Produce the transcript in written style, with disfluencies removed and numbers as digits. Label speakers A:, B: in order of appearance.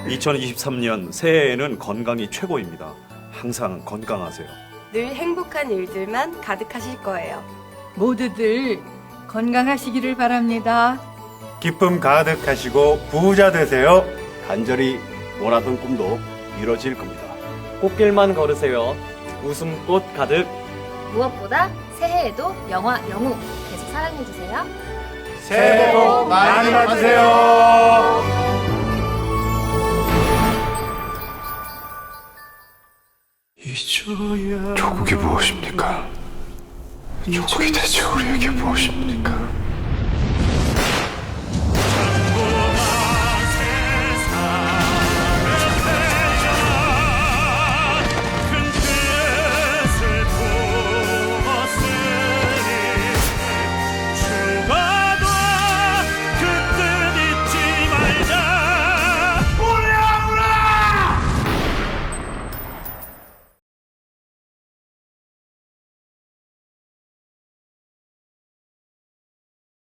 A: 2023년 새해에는 건강이 최고입니다. 항상 건강하세요.
B: 늘 행복한 일들만 가득하실 거예요.
C: 모두들 건강하시기를 바랍니다.
D: 기쁨 가득하시고 부자 되세요.
E: 간절히 원하던 꿈도 이뤄질 겁니다.
F: 꽃길만 걸으세요. 웃음꽃 가득.
G: 무엇보다 새해에도 영화 영웅 계속 사랑해주세요.
D: 새해 복 많이 받으세요.
H: 조국이 무엇입니까? 조국이 대체 우리에게 무엇입니까?